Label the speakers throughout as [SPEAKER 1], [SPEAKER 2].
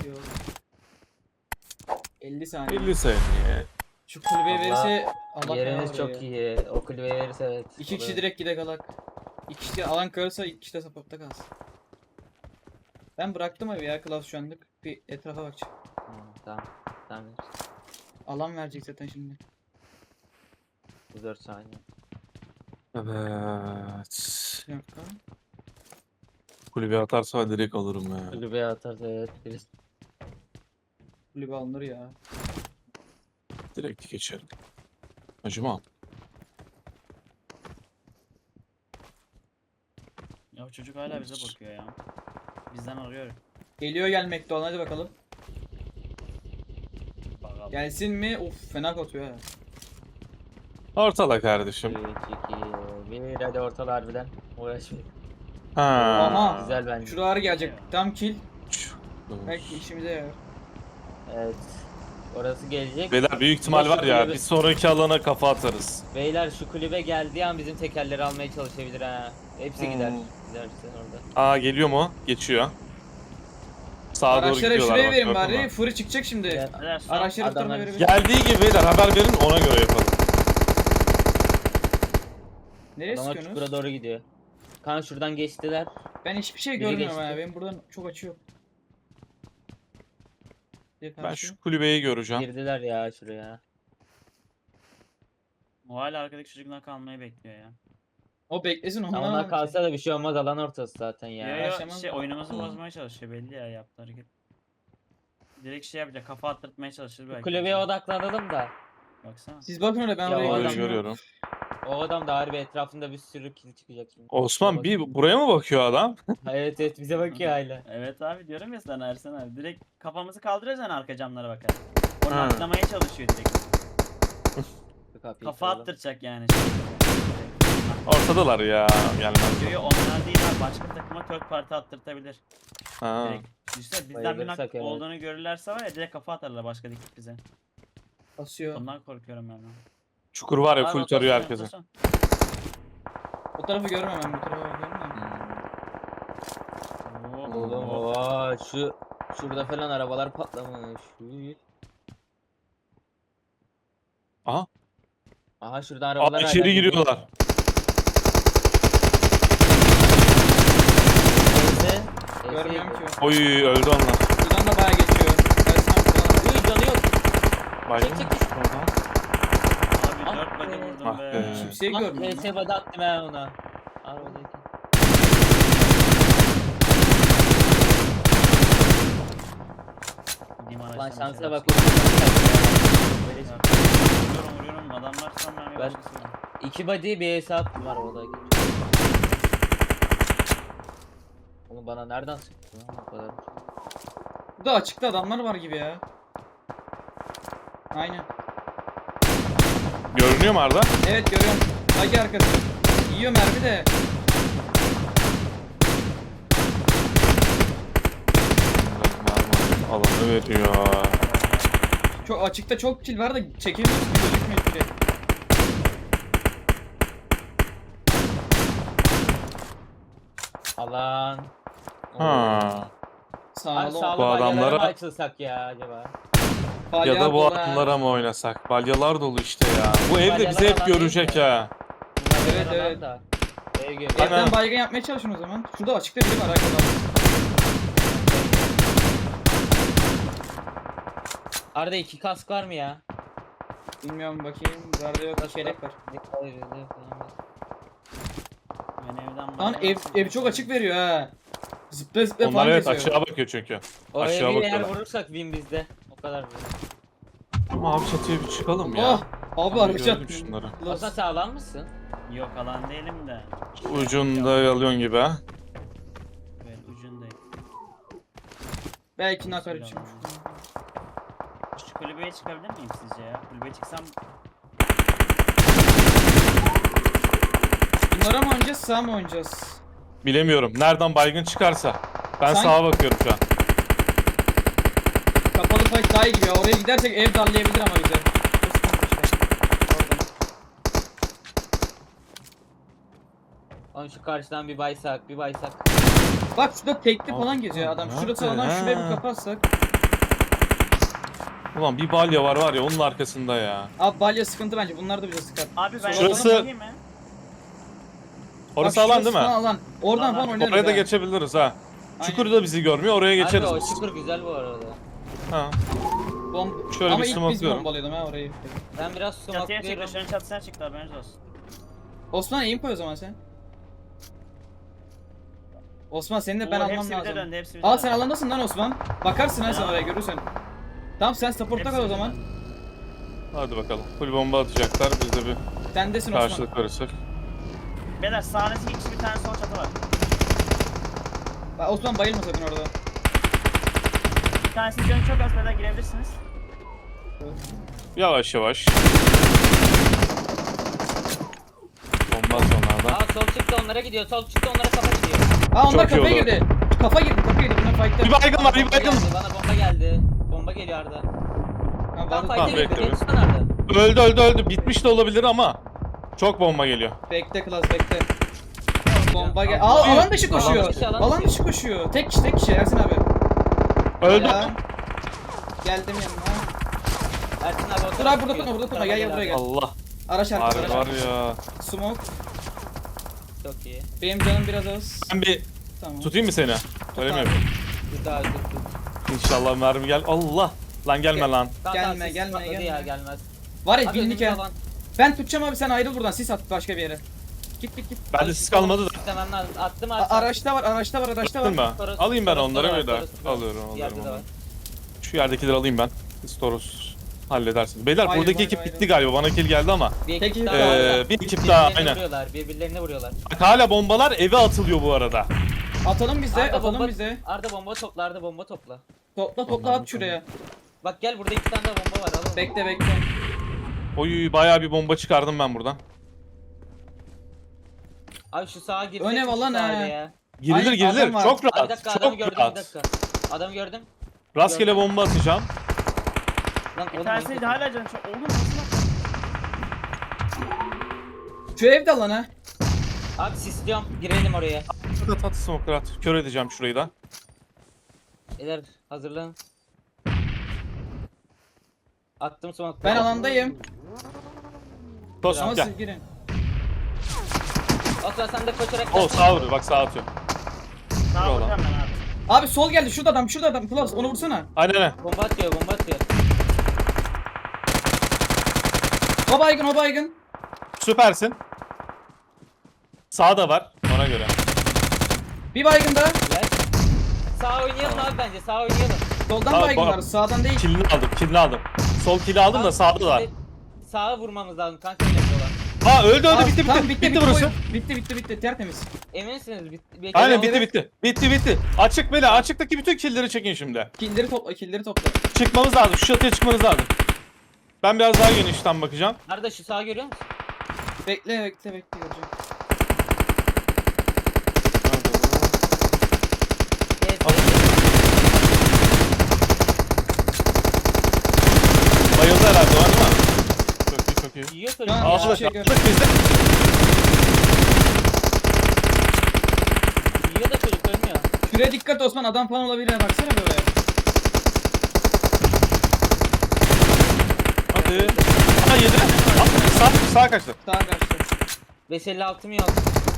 [SPEAKER 1] Yok. 50 saniye.
[SPEAKER 2] 50 saniye.
[SPEAKER 1] Şu kulübeye
[SPEAKER 3] Vallahi
[SPEAKER 1] verirse Allah
[SPEAKER 3] Yeriniz
[SPEAKER 1] belanı
[SPEAKER 3] çok
[SPEAKER 1] veriyor.
[SPEAKER 3] iyi. O kulübeye verirse evet.
[SPEAKER 1] 2 kişi
[SPEAKER 3] olur.
[SPEAKER 1] direkt gide kalak. 2 kişi alan kalırsa 2 kişi de supportta kalsın. Ben bıraktım evi ya Klaus şu anlık. Bir etrafa bakacağım.
[SPEAKER 3] Tamam. Tamam.
[SPEAKER 1] Alan verecek zaten şimdi.
[SPEAKER 3] 4 saniye.
[SPEAKER 2] Evet.
[SPEAKER 1] Bir dakika.
[SPEAKER 2] Kulübe atarsa direkt alırım ya.
[SPEAKER 3] Kulübeye atarsa evet. Birisi.
[SPEAKER 1] Kulübe alınır ya.
[SPEAKER 2] Direkt geçerim. Acımam.
[SPEAKER 4] Ya bu çocuk hala bize bakıyor ya. Bizden arıyor.
[SPEAKER 1] Geliyor gelmekte olan, hadi bakalım.
[SPEAKER 4] Bakalım.
[SPEAKER 1] Gelsin mi? Of fena kotuyor ha.
[SPEAKER 2] Ortala kardeşim.
[SPEAKER 3] 3, 2, 1. Hadi ortalı harbiden. Uğraşmayın.
[SPEAKER 2] Ha.
[SPEAKER 1] Aha.
[SPEAKER 3] Güzel bence.
[SPEAKER 1] Şuraları gelecek. Tam kill. Belki işimize yarar.
[SPEAKER 3] Evet. Orası gelecek.
[SPEAKER 2] Beyler büyük ihtimal var ya,
[SPEAKER 3] Kulübe-
[SPEAKER 2] bir sonraki alana kafa atarız.
[SPEAKER 3] Beyler şu kulübe geldiği an bizim tekerleri almaya çalışabilir ha. Hepsi gider. Giderse orada.
[SPEAKER 2] Aa, geliyor mu? Geçiyor. Sağa doğru
[SPEAKER 1] Araçlara
[SPEAKER 2] gidiyorlar
[SPEAKER 1] şuraya
[SPEAKER 2] bak,
[SPEAKER 1] verin
[SPEAKER 2] gördün
[SPEAKER 1] bari.
[SPEAKER 2] mü?
[SPEAKER 1] Fırı çıkacak şimdi.
[SPEAKER 3] Evet.
[SPEAKER 4] Beyler, son-
[SPEAKER 1] Araçları bu tarafa
[SPEAKER 3] Adamlar-
[SPEAKER 1] verebilir.
[SPEAKER 2] Geldiği gibi beyler haber verin, ona göre yapalım.
[SPEAKER 1] Nereye
[SPEAKER 3] Adamlar
[SPEAKER 1] sıkıyorsunuz?
[SPEAKER 3] çukura doğru gidiyor. Kan şuradan geçtiler.
[SPEAKER 1] Ben hiçbir şey
[SPEAKER 3] Biri
[SPEAKER 1] görmüyorum
[SPEAKER 3] geçti.
[SPEAKER 1] ha. Benim buradan çok açı yok.
[SPEAKER 2] Ben şu kulübeyi göreceğim.
[SPEAKER 3] Girdiler ya şuraya.
[SPEAKER 4] O hala arkadaki çocuklar kalmayı bekliyor ya.
[SPEAKER 1] O beklesin
[SPEAKER 3] Ama
[SPEAKER 1] ondan.
[SPEAKER 3] onlar kalsa da bir şey olmaz, alan ortası zaten ya.
[SPEAKER 4] Ya
[SPEAKER 1] Yaşamaz
[SPEAKER 4] şey
[SPEAKER 1] mı?
[SPEAKER 4] oyunumuzu
[SPEAKER 2] Hı.
[SPEAKER 4] bozmaya çalışıyor belli ya yaptığı hareket. Direkt şey yapacak, kafa attırtmaya çalışır belki.
[SPEAKER 3] Kulübeye odaklanalım da.
[SPEAKER 4] Baksana.
[SPEAKER 1] Siz bakın öyle ben
[SPEAKER 3] Ya
[SPEAKER 1] oraya
[SPEAKER 3] o
[SPEAKER 2] Kulübeyi
[SPEAKER 3] adam-
[SPEAKER 1] geçiyorum.
[SPEAKER 2] görüyorum.
[SPEAKER 3] O adam da harbi etrafında bir sürü kill çıkacak şimdi.
[SPEAKER 2] Osman
[SPEAKER 3] Bize
[SPEAKER 2] bir buraya mı bakıyor adam?
[SPEAKER 3] Evet evet bize bakıyor hala.
[SPEAKER 4] Evet abi diyorum ya sana Ersen abi. Direkt kafamızı kaldırıyoruz yani arka camlara bakar. Onu
[SPEAKER 2] Ha.
[SPEAKER 4] atlamaya çalışıyor direkt.
[SPEAKER 3] Şu kapıyı
[SPEAKER 4] Kafa
[SPEAKER 3] kıralım.
[SPEAKER 4] attıracak yani.
[SPEAKER 2] Ortadalar ya, gelmez.
[SPEAKER 4] Diyor onlar değil abi, başka takıma third parti attırtabilir.
[SPEAKER 2] Ha.
[SPEAKER 4] Direkt. İşte bizden bir
[SPEAKER 3] Bayılırsak
[SPEAKER 4] nak
[SPEAKER 3] evet.
[SPEAKER 4] olduğunu görürlerse var ya direkt kafa atarlar başka dikip bize.
[SPEAKER 1] Basıyor.
[SPEAKER 4] Ondan korkuyorum ben.
[SPEAKER 2] Çukur var ya,
[SPEAKER 4] Abi,
[SPEAKER 2] full tarıyor
[SPEAKER 4] rotasyon,
[SPEAKER 2] herkese.
[SPEAKER 4] rotasyon.
[SPEAKER 1] O tarafı görmem ben, bu tarafa bakıyorum da.
[SPEAKER 4] Oo,
[SPEAKER 3] Oğlum oha şurada falan arabalar patlamış.
[SPEAKER 2] Aha.
[SPEAKER 3] Aha şurada arabalar
[SPEAKER 2] Aa,
[SPEAKER 3] hala
[SPEAKER 2] içeri
[SPEAKER 3] gidiyor.
[SPEAKER 2] giriyorlar.
[SPEAKER 3] Neyse.
[SPEAKER 1] Görmüyorum ki.
[SPEAKER 2] Oy, öldü onlar.
[SPEAKER 1] Buradan da bayağı geçiyor. Ersin abi buradan.
[SPEAKER 3] Uy canı yok.
[SPEAKER 2] Baygın
[SPEAKER 3] Çek,
[SPEAKER 2] mı?
[SPEAKER 3] çek, çek.
[SPEAKER 2] Oradan.
[SPEAKER 4] Abi 4 body vurdum
[SPEAKER 2] Ah
[SPEAKER 4] be.
[SPEAKER 2] be.
[SPEAKER 1] Kimseyi
[SPEAKER 3] Bak
[SPEAKER 1] görmüyorum.
[SPEAKER 3] HS body attım ben ona. Arabadaki.
[SPEAKER 4] Gideyim
[SPEAKER 3] Lan
[SPEAKER 4] araçtan
[SPEAKER 3] şansa
[SPEAKER 4] şeyler
[SPEAKER 3] bak. Böyle
[SPEAKER 4] çıkıyor. Vuruyorum adamlar sonra bir
[SPEAKER 3] Ben-
[SPEAKER 4] başkası vuruyor.
[SPEAKER 3] 2 body bir HS attım arabadaki. Oğlum bana nereden sıktı lan bu kadar?
[SPEAKER 1] Burada açıkta adamlar var gibi ya. Aynen.
[SPEAKER 2] Görünüyor mu Arda?
[SPEAKER 1] Evet görüyorum. Bagi arkası. Yiyor mermi de.
[SPEAKER 2] Alanı veriyor.
[SPEAKER 1] Çok açıkta çok kill var da çekemiyoruz ki, gözükmüyor hiçbir şey.
[SPEAKER 3] Alan.
[SPEAKER 2] Ha.
[SPEAKER 1] Sağlı
[SPEAKER 3] Abi
[SPEAKER 1] ol.
[SPEAKER 3] sağlı
[SPEAKER 2] Bu
[SPEAKER 3] balyalara
[SPEAKER 2] adamlara-
[SPEAKER 3] mı açılsak ya acaba?
[SPEAKER 2] Ya da bu
[SPEAKER 1] Palyaço ha.
[SPEAKER 2] adamlara mı oynasak? Balyalar dolu işte ya. Bu evde
[SPEAKER 3] Balyalar
[SPEAKER 2] bizi hep
[SPEAKER 3] alan değil
[SPEAKER 2] görecek
[SPEAKER 3] mi?
[SPEAKER 2] ha.
[SPEAKER 1] Evet,
[SPEAKER 3] Balyalar
[SPEAKER 1] evet.
[SPEAKER 3] alan da. Ev gibi.
[SPEAKER 2] Aynen.
[SPEAKER 1] Evden baygın yapmaya çalışın o zaman. Şurada açıkta biri var arkadaşlar.
[SPEAKER 3] Arada 2 kask var mı ya?
[SPEAKER 1] Bilmiyorum bakayım. Garda yok, çeyrek var.
[SPEAKER 4] Ben evden
[SPEAKER 1] Lan ev çok açık veriyor ha. Zıpla zıpla
[SPEAKER 2] Onlar
[SPEAKER 1] falan
[SPEAKER 2] evet
[SPEAKER 1] geziyor.
[SPEAKER 2] aşağı bakıyor çünkü.
[SPEAKER 3] O
[SPEAKER 2] Aşağı
[SPEAKER 3] evi eğer
[SPEAKER 2] bakıyorlar.
[SPEAKER 3] vurursak win bizde. O kadar.
[SPEAKER 2] Ama abi çatıya bir çıkalım ya.
[SPEAKER 1] Oh! Abi
[SPEAKER 2] Ben
[SPEAKER 1] araç
[SPEAKER 2] gördüm
[SPEAKER 1] attı.
[SPEAKER 2] şunları.
[SPEAKER 3] Aslında sağlam mısın?
[SPEAKER 4] Yok alan değilim de.
[SPEAKER 2] Ucunda alıyorsun gibi ha.
[SPEAKER 4] Evet ucundayım.
[SPEAKER 1] Belki nakar için.
[SPEAKER 4] Şu kulübeye çıkabilir miyim sizce ya? Kulübeye çıksam
[SPEAKER 1] Bunlara mı oynayacağız, sağa mı oynayacağız?
[SPEAKER 2] Bilemiyorum. Nereden baygın çıkarsa. Ben
[SPEAKER 1] Sen-
[SPEAKER 2] sağa bakıyorum şu an.
[SPEAKER 1] Kapalı fight daha iyi gibi ya. Oraya gidersek ev darlayabilir ama bize.
[SPEAKER 3] Oğlum şu karşıdan bir baysak, bir baysak.
[SPEAKER 1] Bak şurada tekli
[SPEAKER 2] Aa,
[SPEAKER 1] falan geziyor adam.
[SPEAKER 2] nerede?
[SPEAKER 1] Şurada sağdan şuraya bir kapatsak.
[SPEAKER 2] Ulan bir balya var ya onun arkasında ya.
[SPEAKER 1] Abi balya sıkıntı bence. Bunlar da bize sıkar.
[SPEAKER 4] Abi ben
[SPEAKER 2] Şurası-
[SPEAKER 4] yanına bakayım mı?
[SPEAKER 2] Orası
[SPEAKER 1] Bak,
[SPEAKER 2] alan
[SPEAKER 1] şurası
[SPEAKER 2] değil mi?
[SPEAKER 1] falan Alan. Oradan
[SPEAKER 4] Alan.
[SPEAKER 1] falan oynarız
[SPEAKER 2] Oraya da
[SPEAKER 1] ha.
[SPEAKER 2] geçebiliriz ha.
[SPEAKER 1] Aynen.
[SPEAKER 2] Çukur da bizi görmüyor. Oraya
[SPEAKER 3] Harbi
[SPEAKER 2] geçeriz
[SPEAKER 3] o
[SPEAKER 2] biz.
[SPEAKER 3] çukur güzel bu arada.
[SPEAKER 2] Ha.
[SPEAKER 1] Şöyle
[SPEAKER 2] bir
[SPEAKER 1] Ama ilk biz
[SPEAKER 2] smoke'luyorum.
[SPEAKER 1] bombalıyordum ha orayı.
[SPEAKER 3] Ben biraz
[SPEAKER 4] Çatıya çıktı.
[SPEAKER 3] smoke'luyorum.
[SPEAKER 4] Şunun çatısına çıktı, haberiniz olsun.
[SPEAKER 1] Osman aim koy o zaman sen. Osman seni de ben
[SPEAKER 4] Oo,
[SPEAKER 1] almam
[SPEAKER 4] hepsi bize
[SPEAKER 1] lazım.
[SPEAKER 4] döndü, hepsi bize
[SPEAKER 1] Aa
[SPEAKER 4] döndü.
[SPEAKER 1] sen alandasın lan Osman. Bakarsın ha sen
[SPEAKER 4] Ya.
[SPEAKER 1] oraya görürsen. Tamam sen support'ta
[SPEAKER 4] Hepsi
[SPEAKER 1] kal o
[SPEAKER 4] bize
[SPEAKER 1] zaman.
[SPEAKER 4] döndü.
[SPEAKER 2] Hadi bakalım. Full bomba atacaklar. Biz de bir
[SPEAKER 1] Sendesin Osman.
[SPEAKER 2] karşılık verirsak.
[SPEAKER 4] Beyler sağınızdaki ikisi bir tane sol çatı var.
[SPEAKER 1] Bak, Osman bayılma sakın orada.
[SPEAKER 4] Bir tanesinin canı çok az, beyler girebilirsiniz.
[SPEAKER 2] Yavaş yavaş. Bomba sonradan.
[SPEAKER 3] Aa sol çıktı onlara gidiyor. Sol çıktı onlara kafa gidiyor.
[SPEAKER 1] Aa onlar
[SPEAKER 2] Çok iyi
[SPEAKER 1] kafaya
[SPEAKER 2] oldu.
[SPEAKER 1] girdi. Kafa girdi. Bunlar fight'ta.
[SPEAKER 2] Bir baygın var, bir
[SPEAKER 3] Bomba
[SPEAKER 2] baygın.
[SPEAKER 3] geldi, bana bomba geldi. Bomba geliyor Arda.
[SPEAKER 1] Ha,
[SPEAKER 3] Tam
[SPEAKER 1] var-
[SPEAKER 3] fight'e
[SPEAKER 2] Tamam,
[SPEAKER 3] girdi.
[SPEAKER 2] bekle.
[SPEAKER 3] Beni tutsana Arda.
[SPEAKER 2] Öldü. Bitmiş de olabilir ama çok bomba geliyor.
[SPEAKER 1] Bekle klas bekle. Bomba gel.
[SPEAKER 3] Alan
[SPEAKER 1] Aa alan dışı koşuyor.
[SPEAKER 3] dışı, alan
[SPEAKER 1] Alan
[SPEAKER 3] dışı.
[SPEAKER 1] dışı koşuyor. Tek kişi Ersin abi.
[SPEAKER 2] Öldü.
[SPEAKER 1] Ya. Geldim yanına.
[SPEAKER 3] Ersin abi o
[SPEAKER 1] Dur
[SPEAKER 3] tarafa
[SPEAKER 1] abi burada
[SPEAKER 3] çıkıyor.
[SPEAKER 1] tutma burada tutma
[SPEAKER 3] Tarafa
[SPEAKER 1] gel buraya gel.
[SPEAKER 2] Allah.
[SPEAKER 1] Araç
[SPEAKER 2] Harbi
[SPEAKER 1] arkada.
[SPEAKER 2] var ya.
[SPEAKER 1] Smoke.
[SPEAKER 3] Çok iyi.
[SPEAKER 1] Benim canım biraz az.
[SPEAKER 2] Ben bir
[SPEAKER 1] Tamam.
[SPEAKER 2] tutayım mı seni? Öyle mi
[SPEAKER 1] abi.
[SPEAKER 2] yapayım?
[SPEAKER 3] Dur daha dur.
[SPEAKER 2] İnşallah mermi gel. Allah. Lan gelme
[SPEAKER 1] Gel.
[SPEAKER 2] lan.
[SPEAKER 3] Tamam,
[SPEAKER 1] Gelme,
[SPEAKER 3] tamam, sis
[SPEAKER 1] gelme,
[SPEAKER 3] patladı
[SPEAKER 1] gelme.
[SPEAKER 3] Ya, gelmez.
[SPEAKER 1] Var ya
[SPEAKER 3] Abi
[SPEAKER 1] binlik
[SPEAKER 3] önümüzde
[SPEAKER 1] ya.
[SPEAKER 3] alan.
[SPEAKER 1] Ben tutacağım abi sen ayrıl buradan sis at başka bir yere. Git.
[SPEAKER 2] Bende
[SPEAKER 3] Abi,
[SPEAKER 2] sis kalmadı da.
[SPEAKER 3] istemem lazım. Attım
[SPEAKER 1] A-
[SPEAKER 3] abi.
[SPEAKER 1] araçta var.
[SPEAKER 2] Attın mı?
[SPEAKER 3] Toros-
[SPEAKER 2] Alayım ben
[SPEAKER 3] Toros
[SPEAKER 2] onları
[SPEAKER 3] da var,
[SPEAKER 2] öyle.
[SPEAKER 3] Toros da var.
[SPEAKER 2] Alıyorum
[SPEAKER 3] Yerde de
[SPEAKER 2] onları.
[SPEAKER 3] var.
[SPEAKER 2] Şu yerdekileri alayım ben. Siz Toros halledersiniz. Beyler
[SPEAKER 1] Hayır,
[SPEAKER 2] buradaki
[SPEAKER 1] hayır,
[SPEAKER 2] ekip
[SPEAKER 1] hayır.
[SPEAKER 2] bitti galiba. Bana kill geldi ama.
[SPEAKER 3] Bir
[SPEAKER 1] Peki,
[SPEAKER 3] ekip daha var ya.
[SPEAKER 2] Bir ekip daha
[SPEAKER 3] Birbirlerine
[SPEAKER 2] aynen.
[SPEAKER 3] vuruyorlar. Birbirlerine vuruyorlar.
[SPEAKER 2] Bak hala bombalar eve atılıyor bu arada.
[SPEAKER 1] Atalım biz de.
[SPEAKER 3] Arda
[SPEAKER 1] Atalım
[SPEAKER 3] bomba,
[SPEAKER 1] biz de.
[SPEAKER 3] Arda bomba topla, Arda bomba topla.
[SPEAKER 1] Topla at şuraya.
[SPEAKER 3] Bak gel burada 2 tane daha bomba var al.
[SPEAKER 1] Bekle.
[SPEAKER 2] Oy bayağı bir bomba çıkardım ben buradan.
[SPEAKER 3] Abi şu sağa girsek
[SPEAKER 1] Öne
[SPEAKER 3] mi şu
[SPEAKER 1] valan
[SPEAKER 3] sağa
[SPEAKER 1] ha.
[SPEAKER 3] ya?
[SPEAKER 2] Girilir
[SPEAKER 1] Aynen,
[SPEAKER 2] girilir.
[SPEAKER 1] adam var.
[SPEAKER 2] Çok
[SPEAKER 3] Abi bir
[SPEAKER 2] rahat.
[SPEAKER 3] dakika adamı
[SPEAKER 2] Çok
[SPEAKER 3] gördüm bir
[SPEAKER 2] rahat.
[SPEAKER 3] dakika. Adamı gördüm.
[SPEAKER 2] Rastgele
[SPEAKER 3] Gördüm.
[SPEAKER 2] bomba atacağım.
[SPEAKER 3] Lan
[SPEAKER 4] Bir
[SPEAKER 3] oğlum,
[SPEAKER 4] tanesi
[SPEAKER 3] oyun
[SPEAKER 4] de hala canı çok. Oğlum nasıl lan?
[SPEAKER 1] Şu evde alan ha.
[SPEAKER 3] Abi sisliyorum girelim oraya.
[SPEAKER 2] Şurada tatlı smoker at. Kör edeceğim şurayı da.
[SPEAKER 3] Beyler hazırlanın. Attım smoke.
[SPEAKER 1] Ben alandayım.
[SPEAKER 2] Tosun
[SPEAKER 1] Ama
[SPEAKER 2] gel.
[SPEAKER 1] siz girin.
[SPEAKER 3] Osman sen de koşarak
[SPEAKER 2] O
[SPEAKER 3] gel.
[SPEAKER 2] sağ vuruyor. Bak sağ atıyor.
[SPEAKER 4] Sağ
[SPEAKER 2] Bravo.
[SPEAKER 4] vuracağım ben abi.
[SPEAKER 1] Abi sol geldi. Şurada adam. Klas onu vursana.
[SPEAKER 2] Aynen.
[SPEAKER 3] Bomba atıyor bomba atıyor.
[SPEAKER 1] O baygın.
[SPEAKER 2] Süpersin. Sağda var. Ona göre.
[SPEAKER 1] Bir baygın daha.
[SPEAKER 3] Gel. Sağ oynayalım abi bence sağ oynayalım.
[SPEAKER 1] Soldan
[SPEAKER 2] Abi,
[SPEAKER 1] baygın
[SPEAKER 2] bak-
[SPEAKER 1] var. Sağdan değil.
[SPEAKER 2] Killini aldım. Sol kill'i aldım da
[SPEAKER 3] Abi,
[SPEAKER 2] sağda da.
[SPEAKER 3] işte Sağa vurmamız lazım kanka öyle yapıyorlar.
[SPEAKER 2] Aa öldü
[SPEAKER 1] Aa,
[SPEAKER 2] bitti
[SPEAKER 1] tamam,
[SPEAKER 2] bitti burası.
[SPEAKER 1] Bitti. Tertemiz.
[SPEAKER 3] Eminsiniz?
[SPEAKER 2] Aynen
[SPEAKER 1] Evet.
[SPEAKER 2] bitti. Açık böyle açıktaki bütün killleri çekin şimdi.
[SPEAKER 1] Killleri topla.
[SPEAKER 2] Çıkmamız lazım. Şu çatıya çıkmanız lazım. Ben biraz daha genişten bakacağım.
[SPEAKER 3] Arda şu sağı görüyor musun?
[SPEAKER 1] Bekle göreceğim.
[SPEAKER 3] Evet.
[SPEAKER 2] Bayıldı herhalde var değil mi? Çok iyi.
[SPEAKER 3] Yiyor
[SPEAKER 1] Şu
[SPEAKER 3] çocuk
[SPEAKER 1] an-
[SPEAKER 3] ya.
[SPEAKER 1] Hiçbir
[SPEAKER 2] Aldık
[SPEAKER 1] şey
[SPEAKER 2] aldık biz de.
[SPEAKER 3] Yiyor da çocuk ölmüyor.
[SPEAKER 1] Şuraya dikkat Osman adam falan olabilir ha baksana böyle.
[SPEAKER 2] Hadi. Aa yedi. Sağ kaçtı.
[SPEAKER 1] Sağa kaçtı.
[SPEAKER 3] 556 mı yok?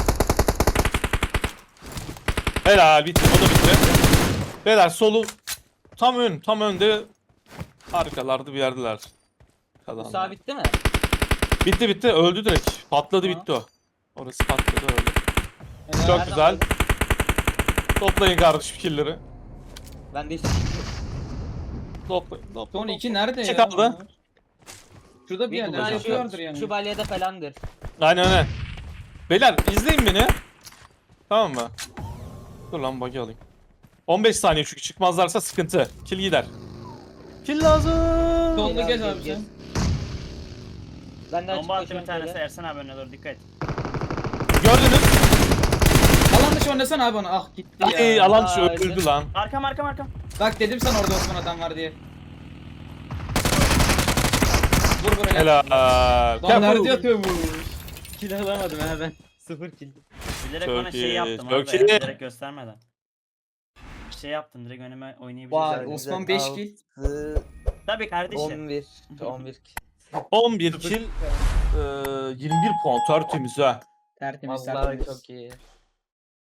[SPEAKER 2] Helal bitti. O da bitti. Beyler solu tam önde arkalarda bir yerdeler.
[SPEAKER 3] Bu
[SPEAKER 2] Kazandı.
[SPEAKER 3] sağ bitti mi?
[SPEAKER 2] Bitti öldü direkt. Patladı
[SPEAKER 1] Tamam.
[SPEAKER 2] bitti o. Orası patladı öldü.
[SPEAKER 1] Helal.
[SPEAKER 2] Çok
[SPEAKER 3] Nereden
[SPEAKER 2] güzel.
[SPEAKER 3] buldun?
[SPEAKER 2] Toplayın kardeşim killleri.
[SPEAKER 3] Ben de hiç
[SPEAKER 2] Toplayın.
[SPEAKER 1] Son iki nerede
[SPEAKER 2] İki
[SPEAKER 1] ya?
[SPEAKER 2] kaldı.
[SPEAKER 1] bunlar? Şurada bir
[SPEAKER 3] büyük
[SPEAKER 1] yerlerde
[SPEAKER 3] ihtimalle
[SPEAKER 1] yapıyorlardır yani.
[SPEAKER 3] şu balyada falandır.
[SPEAKER 2] Aynen. Beyler izleyin beni. Tamam mı? Dur lan bug'i alayım. 15 saniye çünkü çıkmazlarsa sıkıntı. Kill gider. Kill lazım.
[SPEAKER 1] Solda gez
[SPEAKER 3] Gel,
[SPEAKER 1] abi
[SPEAKER 3] gel.
[SPEAKER 1] sen.
[SPEAKER 3] Ben de açık
[SPEAKER 4] Bomba attı bir
[SPEAKER 3] koşuyorum
[SPEAKER 4] tanesi
[SPEAKER 3] şöyle.
[SPEAKER 4] Ersen abi önüne doğru dikkat et.
[SPEAKER 2] Gördünüz.
[SPEAKER 1] Alan dışı oynasana abi onu. Ah gitti ya.
[SPEAKER 2] Ay alan dışı
[SPEAKER 3] Aa,
[SPEAKER 2] öldürdü lan.
[SPEAKER 4] Arkam.
[SPEAKER 1] Bak dedim sana orada Osman adam var diye. Vur buraya.
[SPEAKER 2] Helal.
[SPEAKER 1] Lan nerede
[SPEAKER 2] Kapı.
[SPEAKER 1] yatıyormuş?
[SPEAKER 3] Kill alamadım ha ben. 0 kill.
[SPEAKER 4] Bilerek
[SPEAKER 2] Çok
[SPEAKER 4] ona şey
[SPEAKER 2] iyi,
[SPEAKER 4] yaptım
[SPEAKER 2] çok
[SPEAKER 4] orada
[SPEAKER 2] iyi.
[SPEAKER 4] ya, direkt göstermeden. Şey yaptım direkt önüme oynayabiliriz.
[SPEAKER 1] Vay
[SPEAKER 3] Güzel,
[SPEAKER 1] Osman
[SPEAKER 3] güzel.
[SPEAKER 1] 5 kill.
[SPEAKER 4] Tabii kardeşim.
[SPEAKER 3] 11. 11.
[SPEAKER 2] 11 kill, 21 puan tertemiz ha.
[SPEAKER 1] Tertemiz
[SPEAKER 3] Vallahi
[SPEAKER 1] tertemiz.
[SPEAKER 3] çok iyi.